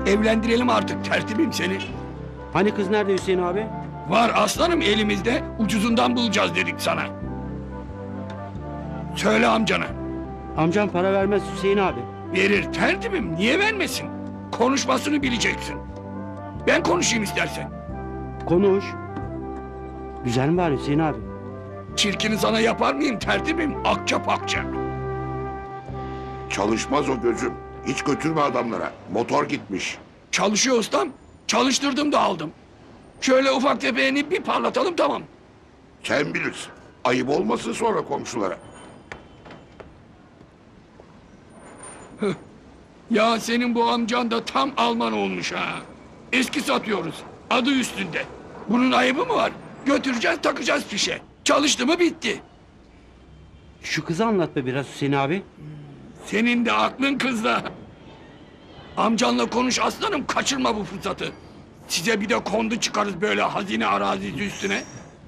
Evlendirelim artık tertibim seni. Hani kız nerede Hüseyin abi? Var aslanım elimizde, ucuzundan bulacağız dedik sana. Söyle amcana. Amcam para vermez Hüseyin abi. Verir tertibim, niye vermesin? Konuşmasını bileceksin. Ben konuşayım istersen. Konuş. Güzel mi var Hüseyin abi? Çirkini sana yapar mıyım tertibim? Akça pakça. Çalışmaz o gözüm. Hiç götürme adamlara. Motor gitmiş. Çalışıyor ustam. Çalıştırdım da aldım. Şöyle ufak tefeğini bir parlatalım tamam. Sen bilirsin. Ayıp olmasın sonra komşulara. Ya senin bu amcan da tam Alman olmuş ha. Eski satıyoruz. Adı üstünde. Bunun ayıbı mı var? Götüreceğiz takacağız fişe. Çalıştı mı bitti. Şu kızı anlat be biraz Hüseyin abi. Senin de aklın kızda. Amcanla konuş aslanım, kaçırma bu fırsatı. Size bir de kondu çıkarız böyle hazine arazisi üstüne.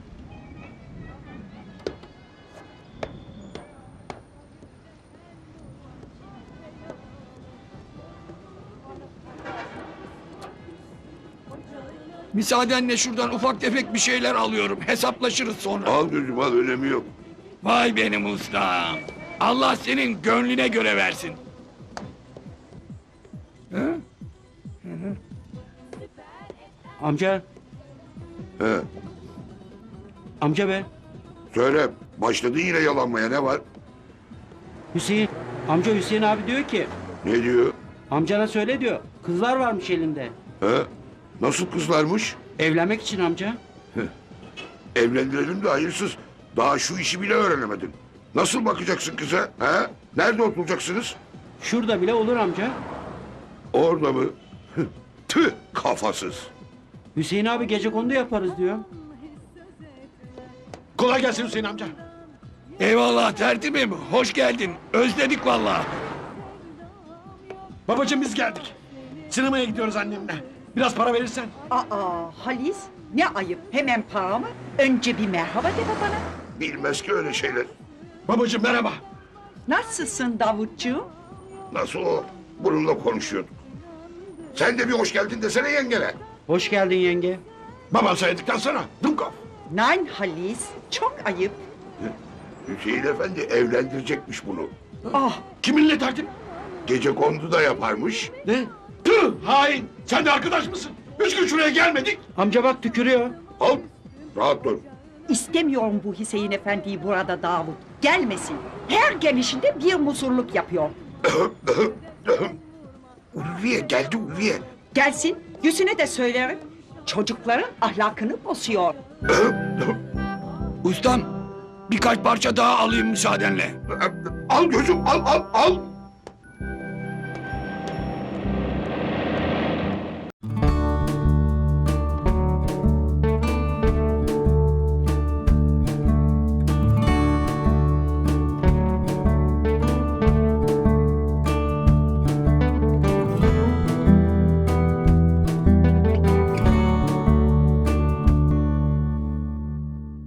Müsaadenle şuradan ufak tefek bir şeyler alıyorum. Hesaplaşırız sonra. Al gözüm al, önemi yok. Vay benim ustam. Allah senin gönlüne göre versin. Amca. He. Amca be. Söyle, başladı yine yalanmaya, ne var? Hüseyin. Amca Hüseyin abi diyor ki. Ne diyor? Amcana söyle diyor. Kızlar varmış elinde. He? Nasıl kızlarmış? Evlenmek için amca. Evlendirelim de hayırsız. Daha şu işi bile öğrenemedin. Nasıl bakacaksın kıza? He? Nerede oturacaksınız? Şurada bile olur amca. Orada mı? Tüh, kafasız. Hüseyin abi gecekondu yaparız diyor. Kolay gelsin Hüseyin amca. Eyvallah tertibim. Hoş geldin. Özledik vallahi. Babacığım biz geldik. Sinemaya gidiyoruz annemle. Biraz para verirsen. Aa Halis, ne ayıp, hemen para mı? Önce bir merhaba de bana. Bilmez ki öyle şeyler. Babacığım merhaba. Nasılsın Davutcuğum? Nasıl o? Bununla konuşuyorduk. Sen de bir hoş geldin desene yengene. Hoş geldin yenge. Babam söyledikten sonra Dumkov. Nein Halis, çok ayıp. Hüseyin Efendi evlendirecekmiş bunu. Ah, Kiminle tertip? Gecekondu da yaparmış. Ne? Tüh hain. Sen de arkadaş mısın? 3 gün şuraya gelmedik. Amca bak tükürüyor. Al, rahat dur. istemiyorum bu Hüseyin Efendi'yi burada Davut. Gelmesin. Her gelişinde bir musurluk yapıyor. Ulviye geldi Ulviye. Gelsin, yüzüne de söylerim. Çocukların ahlakını bozuyor. Ustam birkaç parça daha alayım müsaadenle. Al gözüm, al.